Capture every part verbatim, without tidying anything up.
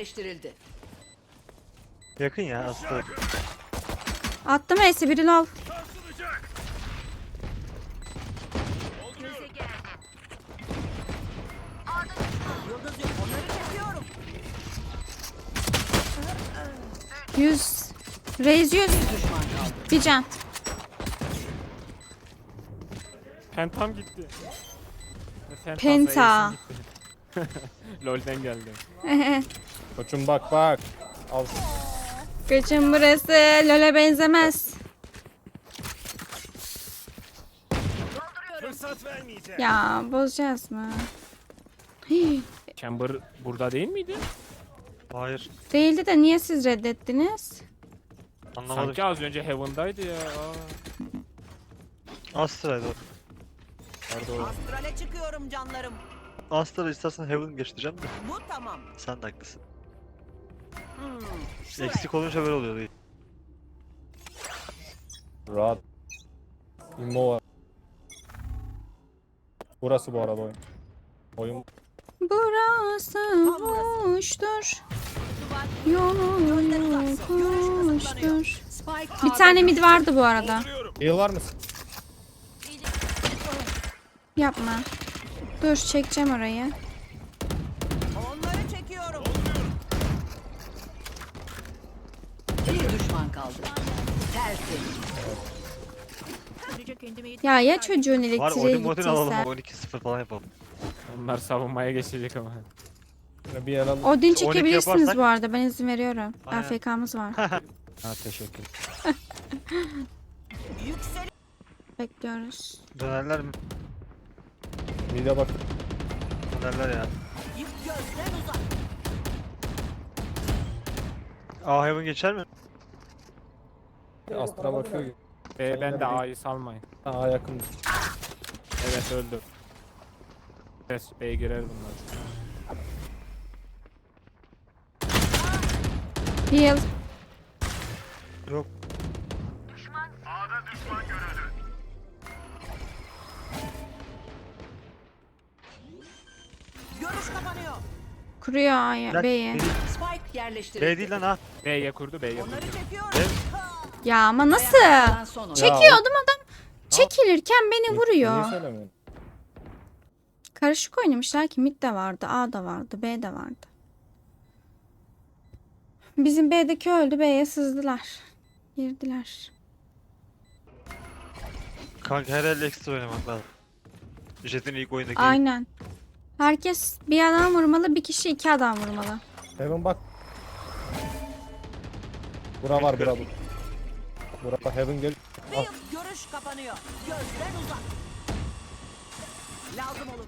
yerleştirildi. Yakın ya aslında. Attım E'si biri lol. Yıldız yok. Onları çekiyorum. yüz. Reis yüz. Düşman kaldı. Bir can. Pentam gitti. Penta. Penta. LoL'den geldi. Koçum bak bak. Al. Kaçın burası. LoL'e benzemez. Fırsat vermeyeceğim. Ya bozacağız mı? Hii. Chamber burada değil miydi? Hayır. Değildi de niye siz reddettiniz? Anlamadım. Sanki az önce Heaven'daydı ya. Aa. Astra'ydı o. Pardon. Astrale çıkıyorum canlarım. Astra istersen Heaven geçtireceğim de. Bu tamam. Sen de haklısın. Hmm. Şuraya. Eksik olunca böyle oluyor değil. Rahat. İmmo var. Burası bu arada oyun. Oyun. Burası boştur. Yolun yokuştur. Spike Bir tane mid vardı bu arada. Heal var mısın? Yapma. Dur çekeceğim orayı. Onları çekiyorum. Bir düşman kaldı. Tertemiz. Ya ya çocuğun Var elektriğe Odin Modin alalım. gittiyse. on iki sıfır falan yapalım. Onlar savunmaya geçecek ama. Şöyle bir yer al. Odin çekebilirsiniz yaparsak- bu arada. Ben izin veriyorum. Aynen. A F K'mız var. Ha teşekkür. Yüksel. Bekliyoruz. Dönerler mi? Mide bak. Dönerler ya. Yık gözden uzak. Aa Heaven geçer mi? Astra bakıyor gibi. Be, ben de A'yı salmayın. Aa yakın. Evet öldü. Evet B'ye girer bunlar. Heal. Yok. Görüş kapanıyor. Kuruyor A'ya, Bak, B'ye. Spike yerleştirildi. B değil lan ha. B'ye kurdu B'ye kurdu. Onları çekiyorum. Ya ama nasıl? Kalan son oyun. Çekiyordum adam. Çekilirken beni vuruyor. Niye söylemiyorsun? Karışık oynamışlar ki mid de vardı, A da vardı, B de vardı. Bizim B'deki öldü, B'ye sızdılar. Girdiler. Kanka her el ekstra oynamak lazım. Jet'in ilk oyundaki. Aynen. Herkes bir adam vurmalı, bir kişi iki adam vurmalı. Heaven bak. Bura var bura bu. Bura Heaven gel. Bir görüş kapanıyor. Gözden uzak. Lazım olur.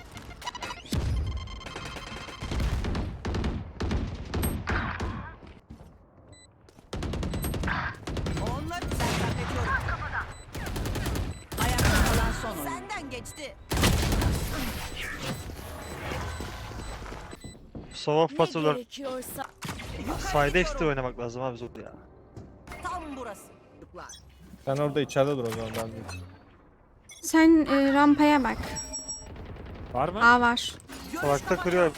Onları senden bekliyorum. Ayakta kalan son oyun. Senden geçti. Sova pasörler. gerekiyorsa. Side ekstra oynamak lazım abi zor ya. Tam burası. Çocuklar. Sen orada içeride dur o zaman ben de. Sen e, rampaya bak. Var mı? A var. Görüş Salakta kapanıyor. kırıyor.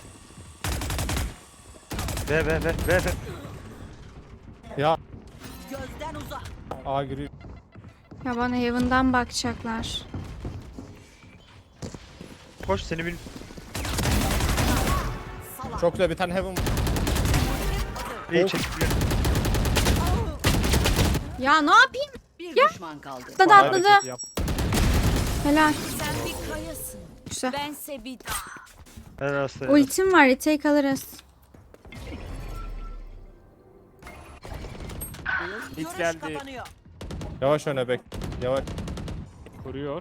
B B B B B. Ya Gözden uzak. A giriyor. Ya bana Heaven'dan bakacaklar. Koş seni bil. Salak. Çok güzel bir tane Heaven. İyi Of. çekiliyor. Ya ne yapayım? Bir düşman kaldı. Atladı atladı. Hareket yap. Helal. Sen bir kayasın. Güzel. Bense bir Helal aslan. Ultim var, retake alırız. Hit Görüş geldi. kapanıyor. Yavaş öne bek. Yavaş. Kuruyor.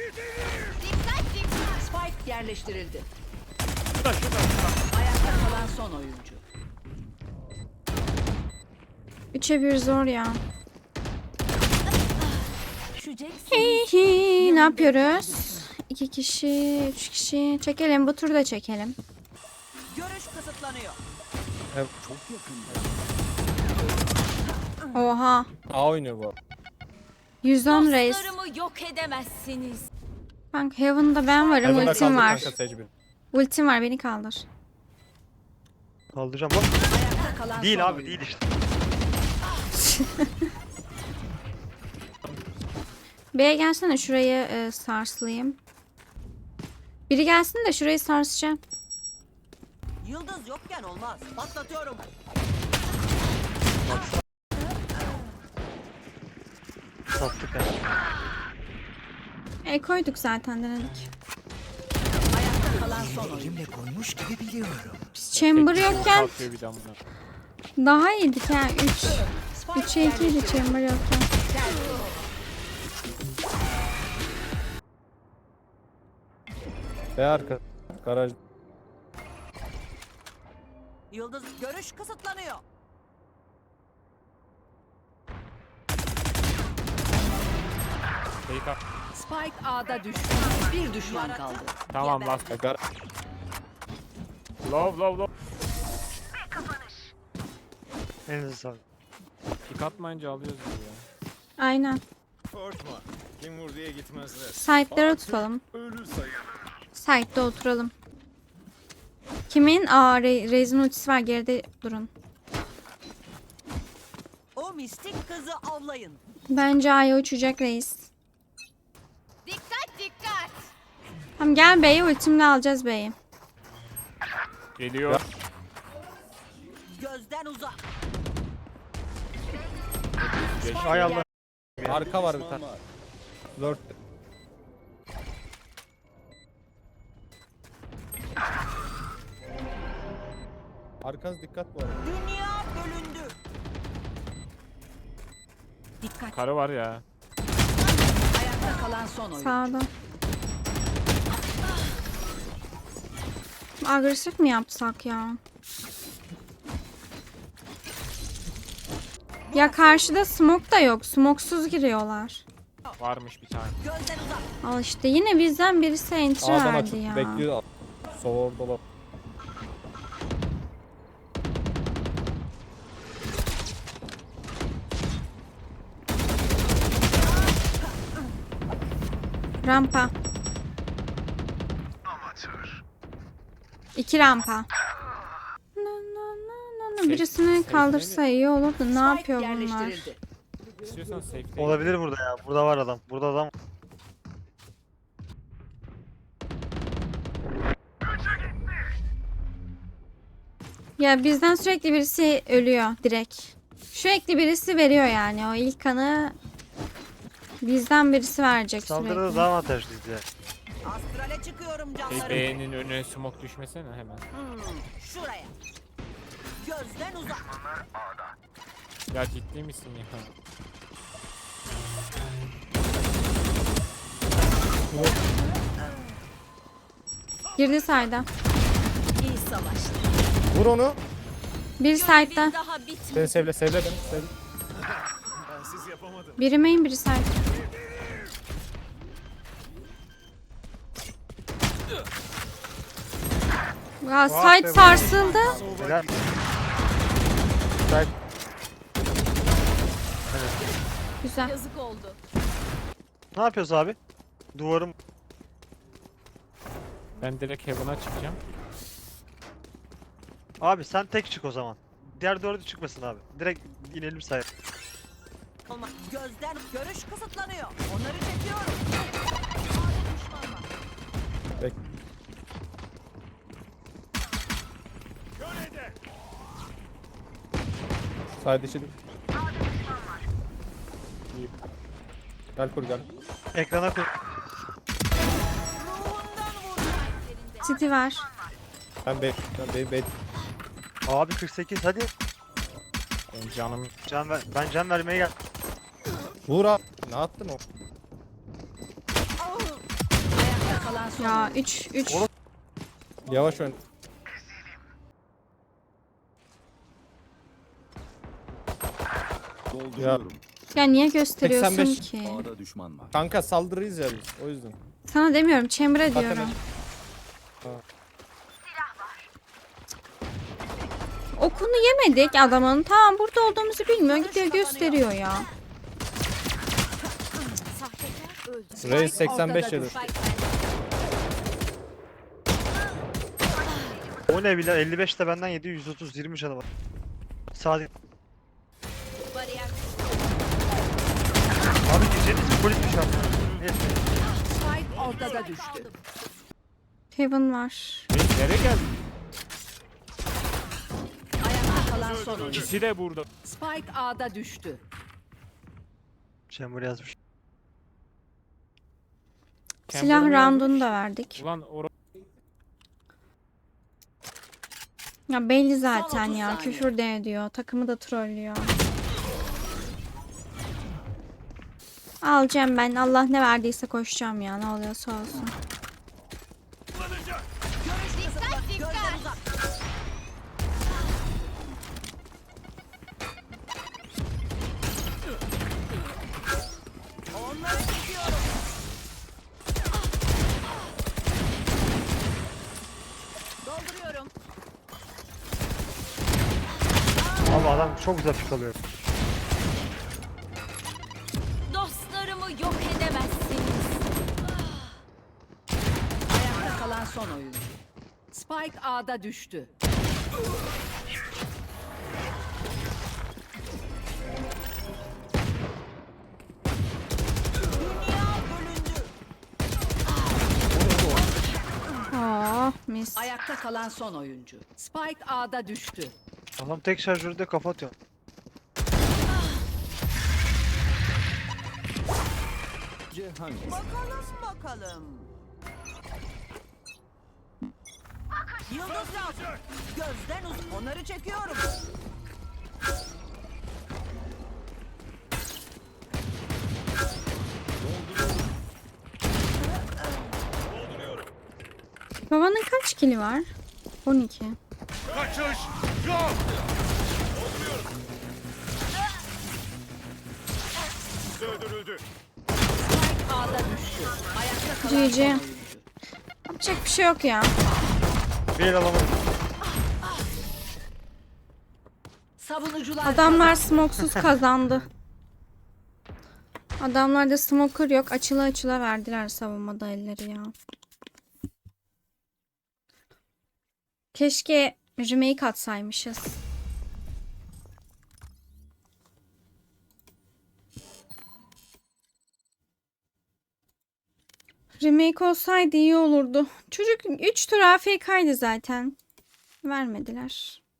Spike yerleştirildi. Şurada şurada şurada. Ayakta kalan son oyuncu. Üçe bir zor ya. düşeceksin. Hi hi. Ne yapıyoruz? İki kişi, üç kişi. Çekelim, bu turda çekelim. Görüş kısıtlanıyor. Heaven. Oha. A oynuyor bu. yüz on reis. Dostlarımı yok edemezsiniz. Kanka Heaven'da ben varım, Heaven'da ultim kaldı var. kanka Sage bir. Ultim var, beni kaldır. Kaldıracağım bak. Ayakta Ayakta kalan Değil son abi oyuncu. değil işte. B'ye gelsene şurayı e, sarslayayım. Biri gelsin de şurayı sarsacağım. Yıldız yokken olmaz. Patlatıyorum. Sattık yani. E koyduk zaten denedik. Ayakta kalan son oyuncu. Elimle koymuş gibi biliyorum. Biz chamber yokken Kalkıyor bir damla. daha iyiydik ha. üç. Spike üçe iki idi yerleştirildi. chamber yokken. B arka. Garaj. Yıldız görüş kısıtlanıyor. Fake up. Spike A'da düştü. Bir düşman kaldı. Tamam last. Ya gar Low low low. Elinize sağlık. Kick atmayınca alıyoruz biz ya. Aynen. Korkma. Kim vur diye gitmezler. Side'lara tutalım. Ölü sayılır. Side'da oturalım. Kimin? Aa Re Reis'in ultisi var, geride durun. O mistik kızı avlayın. Bence A'ya uçacak Reis. Dikkat dikkat. Tamam gel B'ye, ultimle alacağız B'yi. Geliyor. Gözden uzak. Ay Allah. arka var bir tane. Lord. Arkanız dikkat bu arada. Dünya bölündü. Dikkat. Karı var ya. Ayakta kalan son oyuncu. Sağda. Agresif mi yapsak ya? Ya karşıda smoke da yok. Smoksuz giriyorlar. Varmış bir tane. Gözden uzak. Al işte yine bizden birisi entry A'dan verdi açıp ya. bekliyor. Sol orada bak. Rampa. İki rampa. Na, na, na, na, na. Birisini kaldırsa iyi olur da ne Spike yapıyor bunlar? yerleştirildi. İstiyorsan safe değil. Olabilir burada ya. Burada var adam. Burada adam. Ya bizden sürekli birisi ölüyor direkt. Sürekli birisi veriyor yani. O ilk kanı bizden birisi verecek Saldırıda sürekli. daha avantajlıyız ya. Astrale çıkıyorum Şey, canlarım. B'nin önüne smoke düşmesene hemen. Hmm, şuraya. Gözden uzak. Ya ciddi misin ya? Girdi sayda. İyi savaştı. Vur onu. Bir side'da. Bir daha bitmedi. Seni sevle sevle beni. Sevle. Bensiz yapamadım. Biri main, biri side. Ya side sarsıldı. Helal. Güzel. Güzel. Yazık oldu. Ne yapıyoruz abi? Duvarım. Ben direkt Heaven'a çıkacağım. Abi sen tek çık o zaman. Diğer dördü çıkmasın abi. Direkt inelim sayı. Olma. Gözden görüş kısıtlanıyor. Onları çekiyorum. Bek. Side içi. İyi. Gel kur gel. Ekrana koy. City var. Ben bek. Ben bek. bek. Abi kırk sekiz hadi. Benim canım Can ver. Ben can vermeye gel. Vur abi. Ne attın o? Ayakta kalan son Ya oyuncu. üç üç. Oğlum. Yavaş ön. Dolduruyorum. Ya niye gösteriyorsun seksen beş. ki? A'da düşman var. Kanka saldırıyız ya biz. O yüzden. Sana demiyorum, Chamber'a Zaten diyorum. Ha. Okunu yemedik adamın. Tamam burada olduğumuzu bilmiyor. Gidiyor gösteriyor ya. Sahtekar öldü. Reis seksen beş ortada yedi. düştü. O ne bile elli beş de benden yedi. yüz otuz yirmi canı var. Sağ. Bariyer. Abi geceniz polismiş abi. Neyse. Spike ortada düştü. Heaven var. Hey, nereye geldin? Ayakta kalan son oyuncu. İkisi de burada. Spike A'da düştü. Chamber yazmış. Silah Chamber'ı yazmış. roundunu da verdik. Ulan or Ya belli zaten otuz ya. saniye. Küfür de ediyor. Takımı da trollüyor. Alacağım ben. Allah ne verdiyse koşacağım ya. Ne oluyorsa olsun. Dikkat Gözden dikkat. uzak. Onları çekiyorum. Dolduruyorum. Abi adam çok güzel pik alıyor. Dostlarımı yok edemezsiniz. Ayakta kalan son oyuncu. Spike A'da düştü. Dünya bölündü. Oh mis. Ayakta kalan son oyuncu. Spike A'da düştü. Adam tek şarjörde kafa atıyor. Bakalım bakalım. Yıldız lazım. Gözden uz. Onları çekiyorum. Babanın kaç kili var? on iki. Kaçış yok. Öldürüldü. Spike A'da düştü. Ayakta kalan G G. son oyuncu. Yapacak bir şey yok ya. Bir el alamadım. Savunucular Adamlar smoksuz kazandı. Adamlarda smoker yok. Açıla açıla verdiler savunmada elleri ya. Keşke remake atsaymışız. Remake olsaydı iyi olurdu. Çocuk üç tur A F K'ydı zaten. Vermediler.